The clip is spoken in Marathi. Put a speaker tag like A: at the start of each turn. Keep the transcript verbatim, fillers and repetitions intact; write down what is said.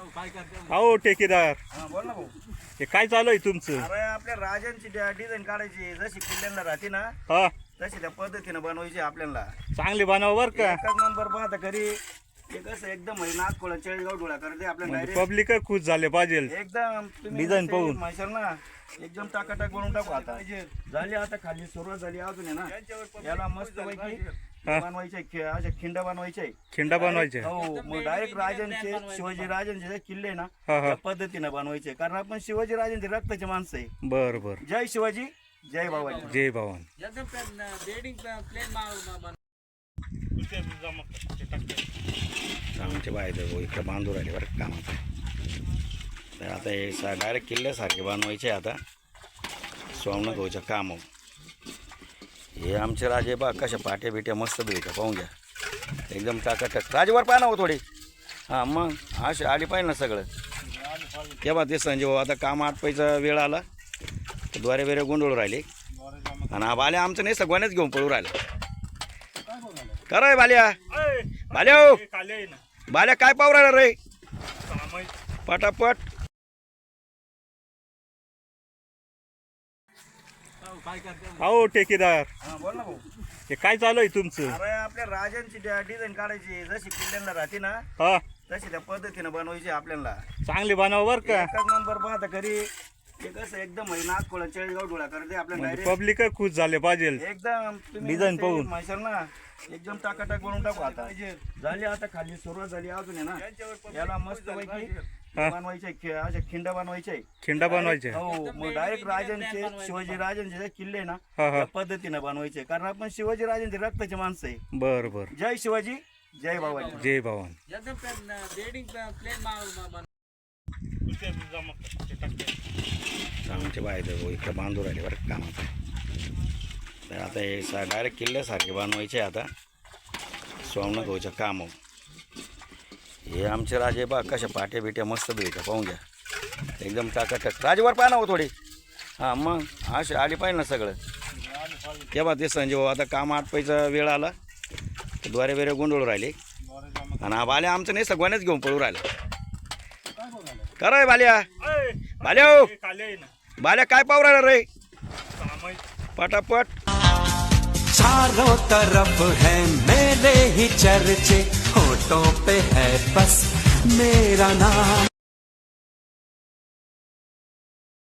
A: हो ठेकेदार,
B: हा बोल ना भाऊ.
A: हे काय चालू आहे तुमचं?
B: अरे आपल्या राजांची डिझाईन काढायची, जशी किल्ल्यांना राहते ना
A: हा,
B: तशी त्या पद्धतीने बनवायची आपल्याला.
A: चांगली बनवा बर का.
B: एकच नंबर पाहता घरी ते कसं एकदम म्हणजे नागकोळा चाळीसगाव डोळा करते आपल्याला डायरेक्ट
A: पब्लिक खुश झाले पाहिजे.
B: एकदम. तुम्ही
A: डिझाईन
B: जसे
A: पाहून.
B: म्हणशाल ना एकदम टाकाटाक बनवून टाकू. आता झाली, आता खाली सुरुवात झाली अजून आहे ना. याला मस्त पैकी बनवायचे, अशा खिंड बनवायचे.
A: खिंडा बनवायचे.
B: हो, मग डायरेक्ट राजांचे, शिवाजी राजांचे जे किल्ले आहे ना
A: हा, हा.
B: त्या पद्धतीने बनवायचे, कारण आपण शिवाजी राजांचे रक्ताचे माणसं आहे.
A: बर बर.
B: जय शिवाजी, जय बाबाजी.
A: जय भवान.
B: आमचे बाय इकडे बांधून राहिले बरं कामाचं. तर आता हे सा डायरेक्ट किल्ल्यासारखे बनवायचे. आता सोमनाथ भाऊच्या काम. हे आमचे राजे बा कशा पाट्या बिट्या मस्त भेटल्या, पाहून घ्या एकदम टाकाटक. राजेवर पाहा ना हो थोडी. हां मग असे आली पाहिजे ना सगळं. तेव्हा ते संजय भाऊ आता काम आटपायचा वेळ आला तर द्वारे वेरे गोंधळ राहिले. आणि हा बाल्या आमचं नाही सगळ्यांनाच घेऊन पळू राहिला. खरंय बाल्या, बाल्या हो बाल्या काय पाहू राहिला रे पटापट.
A: हो ठेकेदार,
B: हा बोल ना भाऊ.
A: हे काय चालू आहे तुमचं?
B: अरे आपल्या राजांची डिझाईन काढायची, जशी किल्ल्यांना राहते ना
A: हा,
B: तशी त्या पद्धतीने बनवायची आपल्याला.
A: चांगली बनवा बर का.
B: एकच नंबर पाहता घरी ते कसं एकदम म्हणजे नागकोळा चाळीसगाव डोळा करते आपल्याला डायरेक्ट
A: पब्लिक खुश झाले पाहिजे.
B: एकदम. तुम्ही
A: डिझाईन
B: जसे
A: पाहून.
B: म्हणशाल ना एकदम टाकाटाक बनवून टाकू. आता झाली, आता खाली सुरुवात झाली अजून आहे ना. याला मस्त पैकी बनवायचे, अशा खिंड बनवायचे.
A: खिंडा बनवायचे.
B: हो, मग डायरेक्ट राजांचे, शिवाजी राजांचे जे किल्ले आहे ना
A: हा, हा.
B: त्या पद्धतीने बनवायचे, कारण आपण शिवाजी राजांचे रक्ताचे माणसं आहे.
A: बर बर.
B: जय शिवाजी, जय बाबाजी.
A: जय भवान.
B: आमचे बाय इकडे बांधून राहिले बरं कामाचं. तर आता हे सा डायरेक्ट किल्ल्यासारखे बनवायचे. आता सोमनाथ भाऊच्या काम. हे आमचे राजे बा कशा पाट्या बिट्या मस्त भेटल्या, पाहून घ्या एकदम टाकाटक. राजेवर पाहा ना हो थोडी. हां मग असे आली पाहिजे ना सगळं. तेव्हा ते संजय भाऊ आता काम आटपायचा वेळ आला तर द्वारे वेरे गोंधळ राहिले. आणि हा बाल्या आमचं नाही सगळ्यांनाच घेऊन पळू राहिला. खरंय बाल्या, बाल्या हो बाल्या काय पाहू राहिला रे पटापट.
C: चारों तरफ है मेरे ही चर्चे, होठों पे है बस मेरा नाम.